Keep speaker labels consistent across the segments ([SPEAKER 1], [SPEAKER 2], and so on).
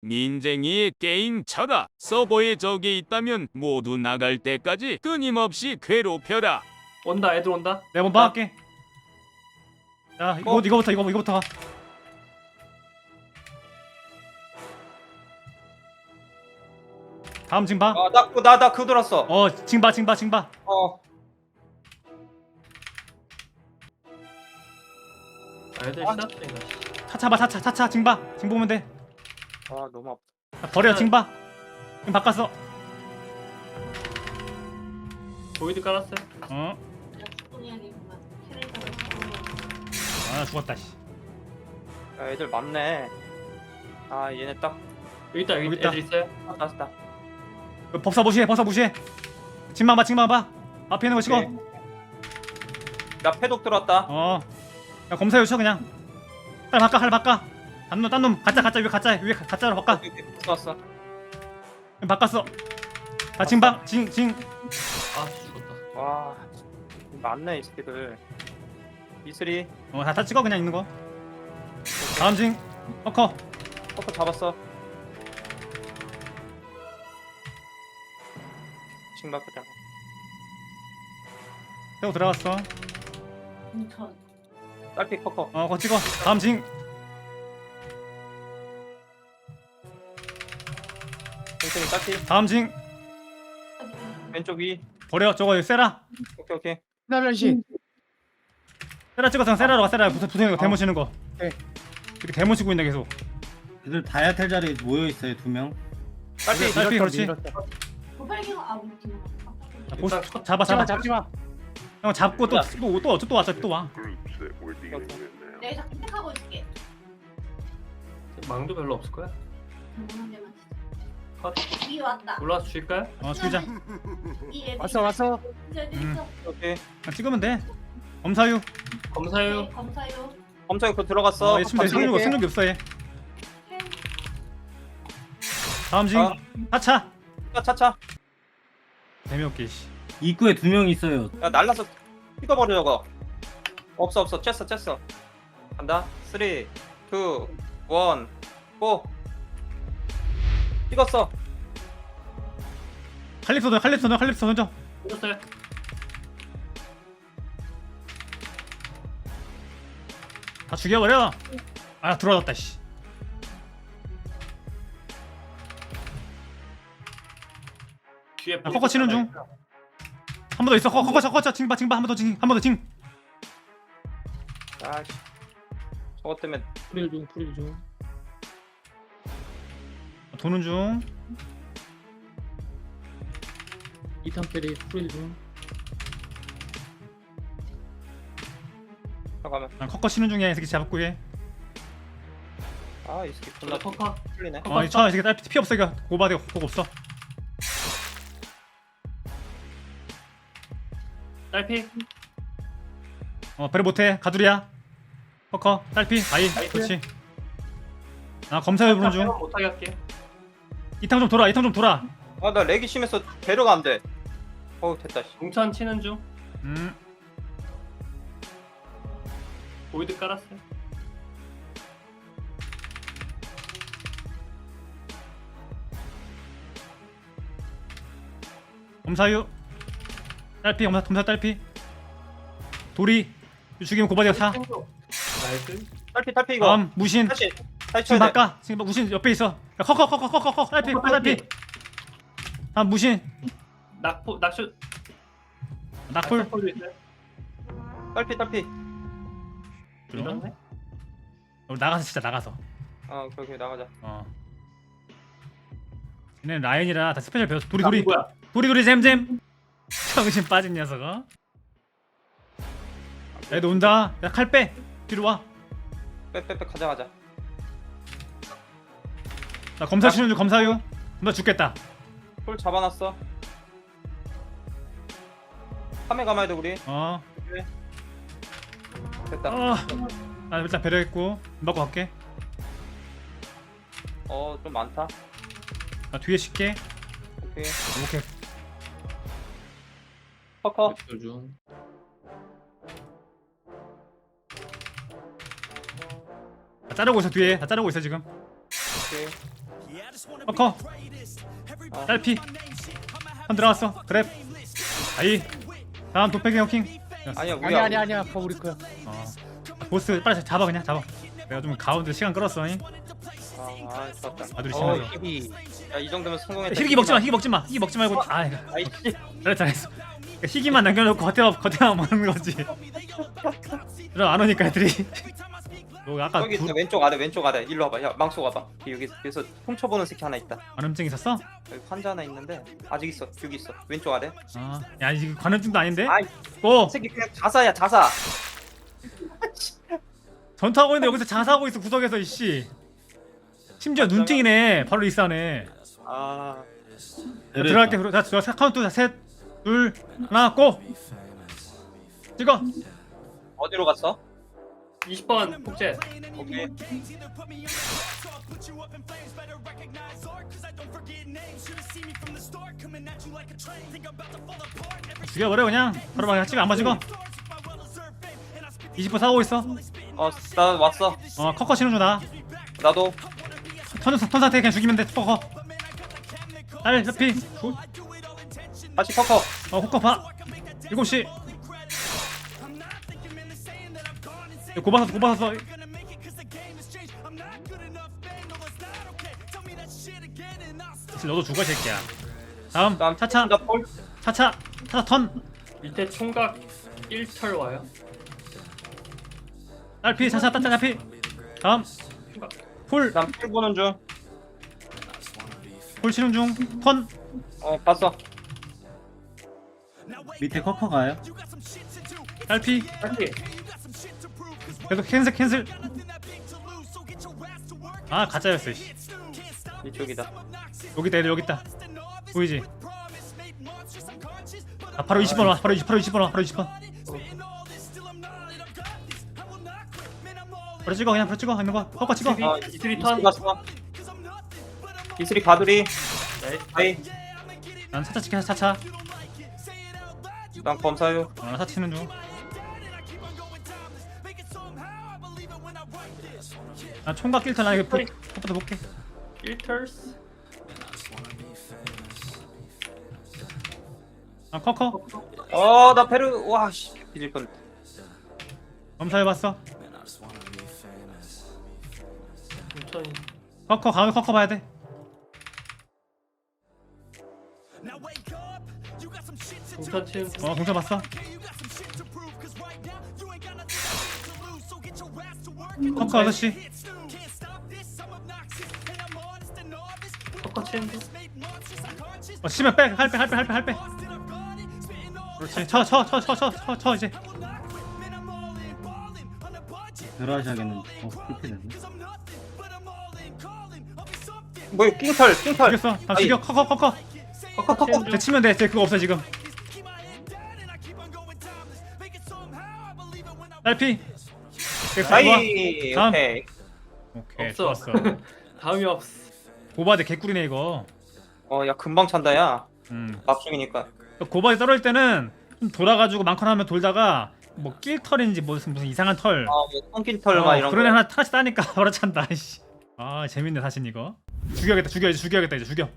[SPEAKER 1] 민쟁이의 게임 쳐라. 서버에 적이 있다면 모두 나갈 때까지 끊임없이 괴롭혀라.
[SPEAKER 2] 온다, 애들 온다.
[SPEAKER 3] 내가 먼저 할게. 자, 이거부터 가. 다음 징바.
[SPEAKER 4] 나 그거 들었어.
[SPEAKER 3] 징바.
[SPEAKER 2] 애들 시작된다.
[SPEAKER 3] 차차 징바. 징 보면 돼.
[SPEAKER 4] 아 너무 아파.
[SPEAKER 3] 자, 버려 징바. 지금 바꿨어.
[SPEAKER 2] 보이드 깔았어요.
[SPEAKER 3] 아, 죽었다 씨.
[SPEAKER 4] 야, 애들 많네. 아 얘네 딱
[SPEAKER 2] 여기 있다,
[SPEAKER 3] 여기
[SPEAKER 2] 여기
[SPEAKER 3] 있다.
[SPEAKER 2] 애들 있어요.
[SPEAKER 4] 났다.
[SPEAKER 3] 법사 무시해. 징만 봐. 앞에 있는 거 찍어.
[SPEAKER 4] 오케이. 나 패독 들었다.
[SPEAKER 3] 야, 검사 요청 그냥. 칼 바꿔. 딴 놈 가짜 위에 가짜로 바꿔.
[SPEAKER 4] 들었어.
[SPEAKER 3] 바꿨어. 자, 징방. 징.
[SPEAKER 2] 아, 죽었다.
[SPEAKER 4] 와 많네 이 새끼들. 이슬이
[SPEAKER 3] 다 찍어 그냥 있는 거. 다음 징. 커.
[SPEAKER 4] 커커 잡았어. 징박 그냥.
[SPEAKER 3] 세고 들어갔어.
[SPEAKER 4] 딸피 커커.
[SPEAKER 3] 거 찍어. 다음 징.
[SPEAKER 4] 천천히 딸피.
[SPEAKER 3] 다음 징.
[SPEAKER 4] 왼쪽 위.
[SPEAKER 3] 버려. 저거 세라.
[SPEAKER 4] 오케이.
[SPEAKER 5] 나련씨
[SPEAKER 3] 세라 찍어서 세라로 가. 세라 부서는 거 데모 치는 거.
[SPEAKER 5] 네.
[SPEAKER 3] 이렇게 데모 치고 있네 계속.
[SPEAKER 5] 애들 다이아텔 자리에 모여있어요 2명.
[SPEAKER 3] 딸피 그렇지. 자, 보스 잡아.
[SPEAKER 5] 잡지마.
[SPEAKER 3] 형 잡고 또 왔어. 또 와.
[SPEAKER 6] 내가 자꾸 택하고 있을게.
[SPEAKER 2] 망도 별로 없을 거야. 컷.
[SPEAKER 6] 이 왔다.
[SPEAKER 2] 올라와서 줄까요?
[SPEAKER 3] 죽이자.
[SPEAKER 6] 이 애들
[SPEAKER 5] 왔어.
[SPEAKER 6] 있어.
[SPEAKER 4] 오케이.
[SPEAKER 3] 찍으면 돼. 검사유.
[SPEAKER 2] 검사요.
[SPEAKER 6] 네, 검사요.
[SPEAKER 4] 검사에 그거 들어갔어.
[SPEAKER 3] 있으면 돼. 승력이 없어 얘. 다음 징. 차차.
[SPEAKER 4] 차차.
[SPEAKER 3] 재미없게 씨.
[SPEAKER 5] 입구에 2명 있어요.
[SPEAKER 4] 야 날라서 찍어버려 저거. 없어. 쬐어. 간다. 3, 2, 1, 고. 찍었어.
[SPEAKER 3] 칼립소 던져.
[SPEAKER 2] 찍었어요.
[SPEAKER 3] 다 죽여버려. 아, 들어왔다 씨.
[SPEAKER 2] 뒤에
[SPEAKER 3] 커커 치는 중. 한 번 더 있어. 커커 징바 한 번 더 징.
[SPEAKER 4] 아씨. 저것 때문에
[SPEAKER 5] 프릴 중.
[SPEAKER 3] 도는 중.
[SPEAKER 5] 2탄 페리 프릴 중.
[SPEAKER 4] 잠깐만.
[SPEAKER 3] 난 커커 치는 중이야. 이 새끼 잡고 해.
[SPEAKER 4] 이 새끼 존나
[SPEAKER 2] 커커.
[SPEAKER 4] 풀리네.
[SPEAKER 3] 이 새끼 딸 피 없어. 이거 고바디 그거 없어.
[SPEAKER 2] 딸피.
[SPEAKER 3] 배려 못해. 가두리야. 커커 딸피. 아이 그렇지. 검사유 부른 중.
[SPEAKER 2] 못하게 할게.
[SPEAKER 3] 이탕 좀 돌아.
[SPEAKER 4] 나 렉이 심해서 배려가 안 돼. 됐다. 씨.
[SPEAKER 2] 공천 치는 중.
[SPEAKER 3] 음.
[SPEAKER 2] 보이드 깔았어요.
[SPEAKER 3] 검사유. 딸피. 검사 딸피. 도리. 죽이면 고바디가 사.
[SPEAKER 2] 나이스.
[SPEAKER 4] 딸피 이거.
[SPEAKER 3] 다음 무신.
[SPEAKER 4] 다시
[SPEAKER 3] 지금
[SPEAKER 4] 쳐야 돼.
[SPEAKER 3] 바꿔. 지금 무신 옆에 있어. 야, 커 딸피. 다음 무신.
[SPEAKER 2] 낙쇼.
[SPEAKER 3] 낙풀.
[SPEAKER 2] 낙쇼도 있어요.
[SPEAKER 4] 딸피.
[SPEAKER 2] 이렇네.
[SPEAKER 3] 나가서 진짜 나가서.
[SPEAKER 4] 오케이 나가자.
[SPEAKER 3] 얘네 라인이라 다 스페셜 배웠어. 도리.
[SPEAKER 2] 뭐야?
[SPEAKER 3] 도리 잼. 정신 빠진 녀석아. 애들 온다. 야, 칼 빼. 뒤로 와.
[SPEAKER 4] 빼 가자.
[SPEAKER 3] 나 검사 치는 중. 검사유. 너 죽겠다.
[SPEAKER 4] 폴 잡아놨어. 카메 감아야 돼 우리. 됐다.
[SPEAKER 3] 나 일단 배려했고 받고 갈게.
[SPEAKER 4] 좀 많다.
[SPEAKER 3] 나 뒤에 쉴게.
[SPEAKER 4] 오케이. 커커.
[SPEAKER 5] 중.
[SPEAKER 3] 다 자르고 있어 뒤에. 다 자르고 있어 지금.
[SPEAKER 4] 오케이.
[SPEAKER 3] 커커 딸피 한 들어갔어. 그랩 아이 다음 도패기 호킹.
[SPEAKER 4] 아니야 우리
[SPEAKER 5] 아니야 아파 우리 거야.
[SPEAKER 3] 보스 빨리 잡아 그냥 잡아. 내가 좀 가운데 시간 끌었어. 잉?
[SPEAKER 4] 아 좋았다.
[SPEAKER 3] 아들이
[SPEAKER 4] 어,
[SPEAKER 3] 심하죠.
[SPEAKER 4] 야이 정도면 성공했다.
[SPEAKER 3] 희귀 먹지 마. 희귀 먹지 마. 희귀 먹지 말고. 아 이거
[SPEAKER 4] 아이씨.
[SPEAKER 3] 잘했어. 그러니까 희귀만 남겨놓고 겉에만 먹는 거지. 그럼 안 오니까 애들이. 너 아까
[SPEAKER 4] 저기 있어 왼쪽 아래 일로 와봐. 야 망치 와봐. 여기서 훔쳐보는 새끼 하나 있다.
[SPEAKER 3] 관음증 있었어?
[SPEAKER 4] 여기 환자 하나 있는데 아직 있어. 여기 있어. 왼쪽 아래.
[SPEAKER 3] 아, 야 이게 관음증도 아닌데?
[SPEAKER 4] 아이
[SPEAKER 3] 고!
[SPEAKER 4] 새끼 그냥 자사야 자사.
[SPEAKER 3] 전투하고 있는데 여기서 자사하고 있어 구석에서 이씨. 심지어 눈팅이네. 바로 리스하네.
[SPEAKER 4] 아
[SPEAKER 3] 들어갈게. 자 카운트 셋, 둘, 하나, 고! 찍어.
[SPEAKER 4] 어디로 갔어?
[SPEAKER 2] 20번 폭제.
[SPEAKER 4] 오케이.
[SPEAKER 3] 죽여버려 그냥. 바로 막 찍어 안 맞이고. 20분 사고 있어.
[SPEAKER 4] 나 왔어.
[SPEAKER 3] 커커 치는 중이다.
[SPEAKER 4] 나도.
[SPEAKER 3] 턴 상태 그냥 죽이면 돼. 커커. 딸 피.
[SPEAKER 4] 다시 커커.
[SPEAKER 3] 호커 봐. 7시. 고바샀어. 너도 죽어 이 새끼야. 다음 차차
[SPEAKER 4] 폴.
[SPEAKER 3] 차차 턴.
[SPEAKER 2] 밑에 총각 1털 와요.
[SPEAKER 3] 딸피 차차 딸피. 다음 풀
[SPEAKER 4] 난필 보는 중.
[SPEAKER 3] 치는 중. 턴.
[SPEAKER 4] 봤어.
[SPEAKER 5] 밑에 커커 가요.
[SPEAKER 3] 딸피.
[SPEAKER 2] 빨리.
[SPEAKER 3] 계속 캔슬. 아 가짜였어. 씨.
[SPEAKER 4] 이쪽이다.
[SPEAKER 3] 여기다 여기 있다. 보이지? 아 바로 20번 와. 바로 20번 와. 바로 20번. 바로 찍어 그냥 바로 찍어 있는 거. 커커 찍어.
[SPEAKER 2] 이슬이 턴.
[SPEAKER 4] 갔어. 이슬이 가두리.
[SPEAKER 2] 네.
[SPEAKER 4] 아이.
[SPEAKER 3] 난 차차 찍혀서 차차.
[SPEAKER 4] 난 검사요.
[SPEAKER 3] 차 치는 중. 나 총각 길터 나 이거 커버도 볼게.
[SPEAKER 2] 1털스.
[SPEAKER 3] 커커.
[SPEAKER 4] 나 페르. 와 씨. 뒤질 뻔.
[SPEAKER 3] 검사해봤어.
[SPEAKER 2] 천천히.
[SPEAKER 3] 커커 가면 커커 봐야 돼.
[SPEAKER 2] 공천 치는 중.
[SPEAKER 3] 공사 봤어. 커커 6시.
[SPEAKER 2] 섞어 치는 중.
[SPEAKER 3] 치면 빼. 할 빼. 그렇지. 쳐 이제.
[SPEAKER 5] 들어가셔야겠는데. 이렇게 되네.
[SPEAKER 4] 뭐 낑털.
[SPEAKER 3] 죽였어. 다 죽여. 커커.
[SPEAKER 4] 커커.
[SPEAKER 3] 쟤 치면 돼. 쟤 그거 없어 지금. 딸피.
[SPEAKER 4] 아이.
[SPEAKER 3] 다음.
[SPEAKER 4] 오케이.
[SPEAKER 3] 오케이.
[SPEAKER 2] 없어.
[SPEAKER 3] 좋았어.
[SPEAKER 2] 다음이 없어.
[SPEAKER 3] 고바드 개꿀이네 이거.
[SPEAKER 4] 야 금방 찬다 야.
[SPEAKER 3] 음.
[SPEAKER 4] 납중이니까.
[SPEAKER 3] 고바드 떨어질 때는 좀 돌아가지고 많거나 하면 돌다가 뭐 낄털인지 무슨 이상한 털.
[SPEAKER 4] 뭐 똥낀털 막 이런
[SPEAKER 3] 그런 애
[SPEAKER 4] 거.
[SPEAKER 3] 하나씩 따니까 바로 찬다. 씨. 아 재밌네 사실 이거. 죽여야겠다. 이제 죽여.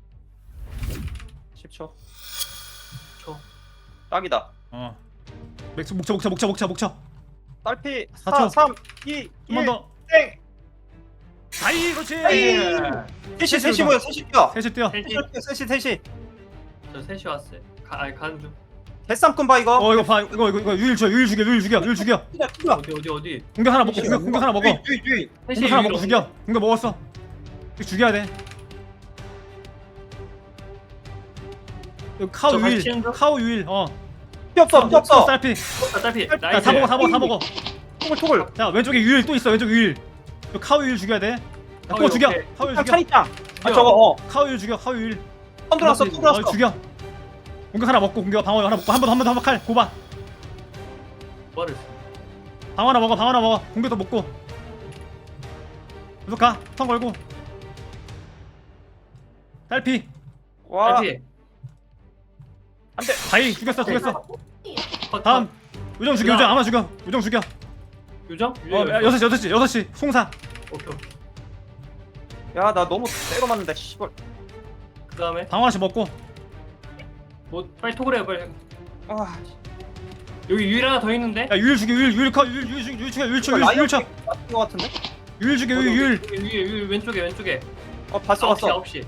[SPEAKER 4] 10초.
[SPEAKER 2] 초.
[SPEAKER 4] 딱이다.
[SPEAKER 3] 맥주 목쳐.
[SPEAKER 4] 딸피
[SPEAKER 3] 4초.
[SPEAKER 4] 3 2
[SPEAKER 3] 한 번
[SPEAKER 4] 1
[SPEAKER 3] 더.
[SPEAKER 4] 땡.
[SPEAKER 3] 아이 그렇지.
[SPEAKER 4] 셋이 뭐야? 셋이 뛰어.
[SPEAKER 3] 셋이 뛰어.
[SPEAKER 4] 셋이.
[SPEAKER 2] 저 3시 왔어요. 가는 중.
[SPEAKER 4] 개쌈꾼 봐 이거.
[SPEAKER 3] 이거 봐. 이거 유일 죽여.
[SPEAKER 4] 뛰어.
[SPEAKER 2] 어디?
[SPEAKER 3] 공격 하나 먹고 공격 하나 먹어.
[SPEAKER 4] 뒤.
[SPEAKER 3] 공격 하나 먹고 죽여. 공격 먹었어. 이거 죽여야 돼. 이거
[SPEAKER 2] 저 같이 치는 중?
[SPEAKER 3] 카우 유일.
[SPEAKER 4] 피 없어.
[SPEAKER 3] 딸피.
[SPEAKER 2] 딸피.
[SPEAKER 3] 야, 다 먹어.
[SPEAKER 4] 토글.
[SPEAKER 3] 자 왼쪽에 유일 또 있어. 왼쪽 유일. 이거 카우 유일 죽여야 돼. 또 죽여.
[SPEAKER 2] 오케이.
[SPEAKER 3] 카우 유일 죽여.
[SPEAKER 4] 찬이짱. 저거
[SPEAKER 3] 카우 유일 죽여. 카우 유일.
[SPEAKER 4] 턴 들어왔어.
[SPEAKER 3] 죽여. 공격 하나 먹고 공격 방어 하나 먹고 한 번 칼 고바.
[SPEAKER 2] 뭐를?
[SPEAKER 3] 방어 하나 먹어. 공격도 먹고. 계속 가. 턴 걸고. 딸피.
[SPEAKER 4] 와.
[SPEAKER 2] 딸피.
[SPEAKER 4] 안돼.
[SPEAKER 3] 다이 죽였어.
[SPEAKER 2] 컷,
[SPEAKER 3] 다음
[SPEAKER 2] 컷.
[SPEAKER 3] 요정 죽여. 요정 아마 죽여. 요정 죽여.
[SPEAKER 2] 요정?
[SPEAKER 3] 6시 송사.
[SPEAKER 2] 오케이.
[SPEAKER 4] 야 나 너무 때려 맞는다 씨발.
[SPEAKER 2] 그 다음에
[SPEAKER 3] 방어 하나씩 먹고.
[SPEAKER 2] 뭐 빨리 톡을 해요 빨리.
[SPEAKER 4] 아
[SPEAKER 2] 여기 유일 하나 더 있는데?
[SPEAKER 3] 야 유일 죽여 유일 컷 유일 죽여 유일 쳐 유일 쳐
[SPEAKER 4] 라이언
[SPEAKER 3] 유일 쳐
[SPEAKER 4] 맞은 거 같은데?
[SPEAKER 3] 유일 죽여 유일.
[SPEAKER 2] 위에 왼쪽에
[SPEAKER 4] 봤어
[SPEAKER 2] 9시.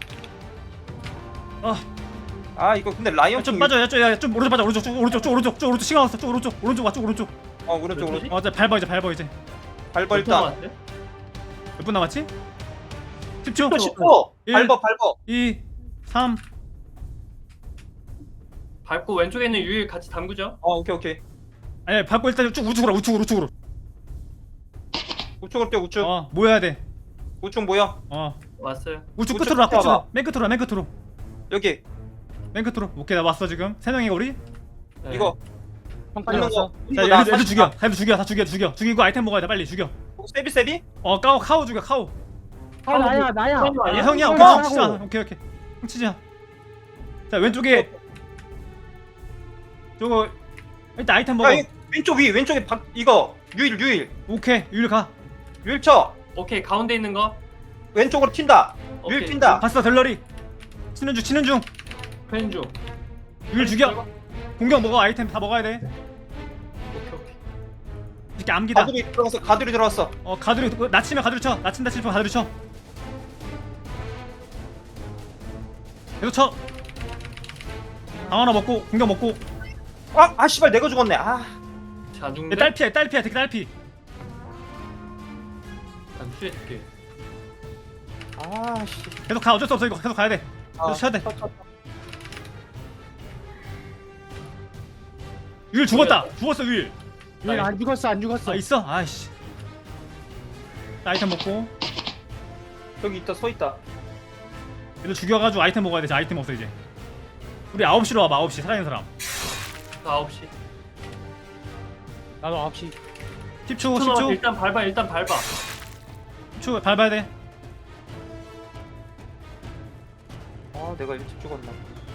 [SPEAKER 4] 아 이거 근데 라이언
[SPEAKER 3] 좀 빠져 야좀 오른쪽 빠져 오른쪽 시간 왔어 쭉 오른쪽 오른쪽
[SPEAKER 4] 오른쪽
[SPEAKER 2] 몇
[SPEAKER 4] 오른쪽
[SPEAKER 3] 이제 밟아 이제
[SPEAKER 4] 밟아 일단
[SPEAKER 3] 몇 분 남았지? 10초
[SPEAKER 4] 10초
[SPEAKER 3] 일.
[SPEAKER 4] 밟아
[SPEAKER 3] 2 3
[SPEAKER 2] 밟고 왼쪽에 있는 유일 같이 담그죠?
[SPEAKER 4] 오케이
[SPEAKER 3] 아니 밟고 일단 쭉 우측으로
[SPEAKER 4] 우측으로 뛰어 우측
[SPEAKER 3] 모여야 돼
[SPEAKER 4] 우측 뭐야?
[SPEAKER 2] 왔어요.
[SPEAKER 3] 우측
[SPEAKER 4] 우측
[SPEAKER 3] 끝으로 와
[SPEAKER 4] 봐봐.
[SPEAKER 3] 맨 끝으로
[SPEAKER 4] 여기
[SPEAKER 3] 맨 끝으로 오케이 나 왔어 지금 3명이가 우리
[SPEAKER 2] 네.
[SPEAKER 4] 이거
[SPEAKER 5] 형까지
[SPEAKER 4] 있는
[SPEAKER 5] 왔어.
[SPEAKER 4] 거
[SPEAKER 3] 자
[SPEAKER 4] 이거 나
[SPEAKER 3] 얘들 죽여 다 죽이고 아이템 먹어야 돼 빨리 죽여
[SPEAKER 4] 세비?
[SPEAKER 3] 카오 죽여 카오
[SPEAKER 5] 아 나야.
[SPEAKER 3] 아, 형이야
[SPEAKER 5] 형
[SPEAKER 3] 오케이
[SPEAKER 5] 하라고.
[SPEAKER 3] 치자 오케이 형 치자 자 왼쪽에 저거 일단 아이템 먹어
[SPEAKER 4] 야 왼쪽 위 왼쪽에 이거 유일
[SPEAKER 3] 오케이 유일 가
[SPEAKER 4] 유일 쳐
[SPEAKER 2] 오케이 가운데 있는 거.
[SPEAKER 4] 왼쪽으로 튄다 유일
[SPEAKER 2] 오케이.
[SPEAKER 4] 튄다
[SPEAKER 3] 봤어 델러리 치는 중
[SPEAKER 2] 펜 중.
[SPEAKER 3] 유일 죽여 공격 먹어 아이템 다 먹어야 돼
[SPEAKER 2] 오케이.
[SPEAKER 3] 이렇게 암기다
[SPEAKER 4] 가두리 들어왔어
[SPEAKER 3] 가두리 낮추면 가두리 쳐 낮춘다 싶으면 가두리 쳐 계속 쳐 방 하나 먹고 공격 먹고
[SPEAKER 4] 아 씨발 내가 죽었네
[SPEAKER 2] 자중대.
[SPEAKER 3] 딸피야 되게 딸피
[SPEAKER 2] 안 슈해줄게.
[SPEAKER 4] 씨
[SPEAKER 3] 계속 가 어쩔 수 없어 이거 계속 가야 돼 계속 쳐야 돼 유일 죽었다 죽었어 유일
[SPEAKER 5] 안 죽었어.
[SPEAKER 3] 아 있어? 아이씨 아이템 먹고
[SPEAKER 4] 저기 있다 서 있다
[SPEAKER 3] 얘들 죽여가지고 아이템 먹어야 돼. 아이템 없어 이제. 우리 9시로 와봐. 9시 살아있는 사람.
[SPEAKER 2] 9시.
[SPEAKER 5] 나도 9시.
[SPEAKER 3] 10초
[SPEAKER 2] 10초.
[SPEAKER 3] 10초
[SPEAKER 2] 일단 밟아.
[SPEAKER 3] 10초 밟아야 돼.
[SPEAKER 4] 내가 일찍 죽었나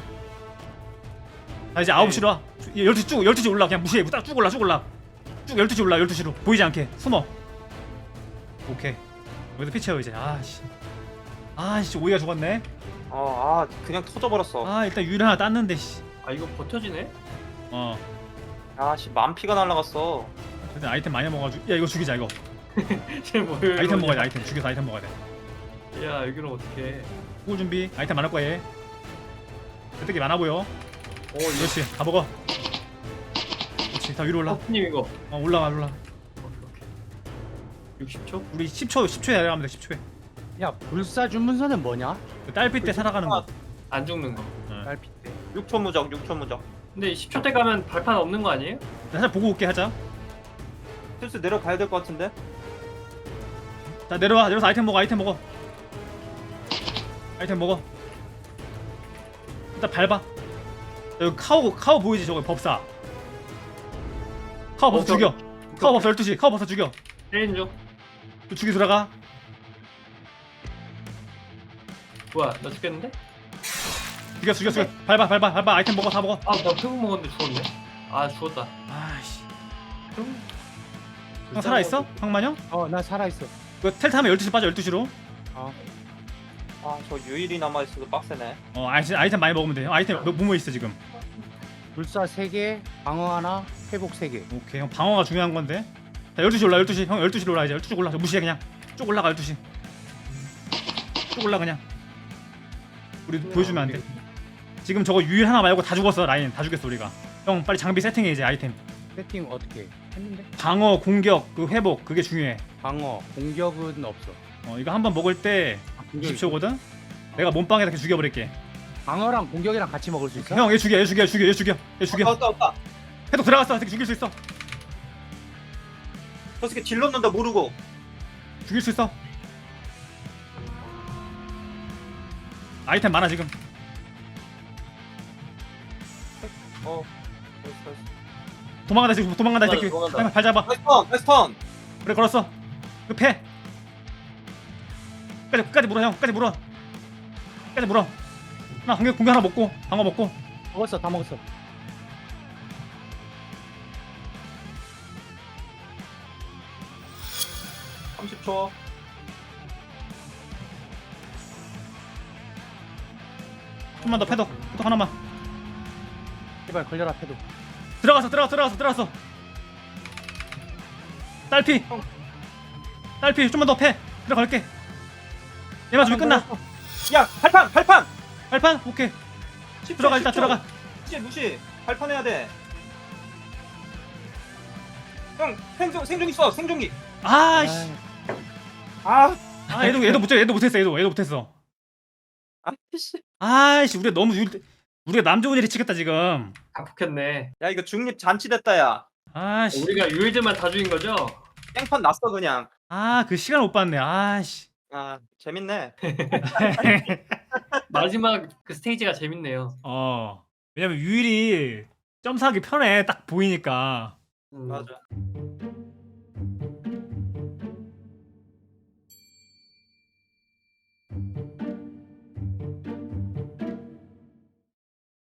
[SPEAKER 3] 자 이제 9시로 와. 12시 올라. 그냥 무시해. 쭉 올라. 쭉 12시 올라. 12시로. 보이지 않게. 숨어. 오케이. 여기서 피치해요 이제. 아씨 오이가 죽었네.
[SPEAKER 4] 그냥 터져버렸어
[SPEAKER 3] 일단 유일 하나 땄는데 씨.
[SPEAKER 2] 아 이거 버텨지네?
[SPEAKER 4] 씨 만피가 날라갔어
[SPEAKER 3] 일단 아이템 많이 먹어가지고. 야 이거 죽이자 이거.
[SPEAKER 2] 쟤 뭐예요?
[SPEAKER 3] 아이템 먹어야 돼. 아이템 죽여서 아이템 먹어야 돼.
[SPEAKER 2] 야 여기는 어떡해.
[SPEAKER 3] 구울 준비. 아이템 많을 거야 얘. 획득이 많아 보여. 그렇지. 다 먹어. 그렇지. 다 위로 올라.
[SPEAKER 2] 허프님 이거.
[SPEAKER 3] 올라가.
[SPEAKER 2] 오케이. 60초?
[SPEAKER 3] 우리 10초에 내려가면 돼. 10초에.
[SPEAKER 5] 야 불사 주문서는 뭐냐?
[SPEAKER 3] 그 딸피 때 살아가는 거.
[SPEAKER 2] 안 죽는 거.
[SPEAKER 5] 딸피 때.
[SPEAKER 4] 6초 무적
[SPEAKER 2] 근데 10초 때 가면 발판 없는 거 아니에요?
[SPEAKER 3] 살짝 보고 올게 하자.
[SPEAKER 4] 슬슬 내려가야 될 것 같은데
[SPEAKER 3] 자 내려와서 아이템 먹어. 아이템 먹어. 일단 밟아. 여기 카오 보이지 저거 법사. 카오 법사 죽여. 카오 법사 12시. 카오 법사 죽여.
[SPEAKER 2] 때린 중.
[SPEAKER 3] 죽이 들어가.
[SPEAKER 2] 뭐야 나 죽겠는데?
[SPEAKER 3] 죽여. 밟아. 아이템 먹어. 다 먹어.
[SPEAKER 2] 나 표국 먹었는데 죽었네. 죽었다.
[SPEAKER 3] 아이씨. 형 살아있어? 형만형?
[SPEAKER 5] 나 살아있어.
[SPEAKER 3] 그 텔 타면 12시 빠져. 12시로.
[SPEAKER 4] 저 유일이 남아있어도 빡세네
[SPEAKER 3] 아이템 많이 먹으면 돼. 형 아이템 뭐뭐 있어 지금?
[SPEAKER 5] 불사 3개, 방어 하나, 회복 3개.
[SPEAKER 3] 오케이 형 방어가 중요한 건데. 자 12시 올라. 12시. 형 12시로 올라 이제. 12시 올라. 무시해 그냥. 쭉 올라가 12시. 쭉 올라 그냥. 우리 보여주면 안 돼. 지금 저거 유일 하나 말고 다 죽었어. 라인 다 죽였어 우리가. 형 빨리 장비 세팅해 이제 아이템.
[SPEAKER 5] 세팅 어떻게 했는데?
[SPEAKER 3] 방어, 공격, 그 회복 그게 중요해.
[SPEAKER 5] 방어, 공격은 없어.
[SPEAKER 3] 이거 한번 먹을 때
[SPEAKER 5] 공격이
[SPEAKER 3] 20초거든. 내가 몸빵에다 이렇게 죽여버릴게.
[SPEAKER 5] 방어랑 공격이랑 같이 먹을 수 있어?
[SPEAKER 3] 형 얘 죽여.
[SPEAKER 4] 왔다
[SPEAKER 3] 해독 들어갔어. 새끼 죽일 수 있어.
[SPEAKER 4] 저 새끼 질렀는데 모르고
[SPEAKER 3] 죽일 수 있어. 아이템 많아 지금. 도망간다 지금. 도망간다 이 새끼.
[SPEAKER 4] 도망간다.
[SPEAKER 3] 발 잡아.
[SPEAKER 4] 나이스 턴
[SPEAKER 3] 그래 걸었어. 그 패. 끝까지 물어 형. 끝까지 물어. 하나 공격 하나 먹고 방어 먹고.
[SPEAKER 5] 먹었어, 다 먹었어.
[SPEAKER 3] 좀만 더 패독 하나만.
[SPEAKER 5] 제발 걸려라 패도.
[SPEAKER 3] 들어갔어. 딸피 좀만 더 패. 들어갈게. 얘만 주면 끝나.
[SPEAKER 4] 야 발판
[SPEAKER 3] 발판 오케이.
[SPEAKER 4] 10초,
[SPEAKER 3] 들어가 일단
[SPEAKER 4] 10초.
[SPEAKER 3] 들어가.
[SPEAKER 4] 무시 발판 해야 돼형 생존 있어 생존기
[SPEAKER 3] 아이씨.
[SPEAKER 4] 아
[SPEAKER 3] 얘도 못했어.
[SPEAKER 4] 아이씨
[SPEAKER 3] 아이씨 우리가 남 좋은 일이 치겠다 지금.
[SPEAKER 2] 아폭했네.
[SPEAKER 4] 야 이거 중립 잔치됐다 야
[SPEAKER 3] 아씨.
[SPEAKER 2] 우리가 유일즈만 다 죽인 거죠?
[SPEAKER 4] 땡판 났어 그냥
[SPEAKER 3] 그 시간 못 봤네. 아씨.
[SPEAKER 4] 아 재밌네
[SPEAKER 2] 마지막 그 스테이지가 재밌네요.
[SPEAKER 3] 왜냐면 유일이 점사하기 편해 딱 보이니까.
[SPEAKER 4] 맞아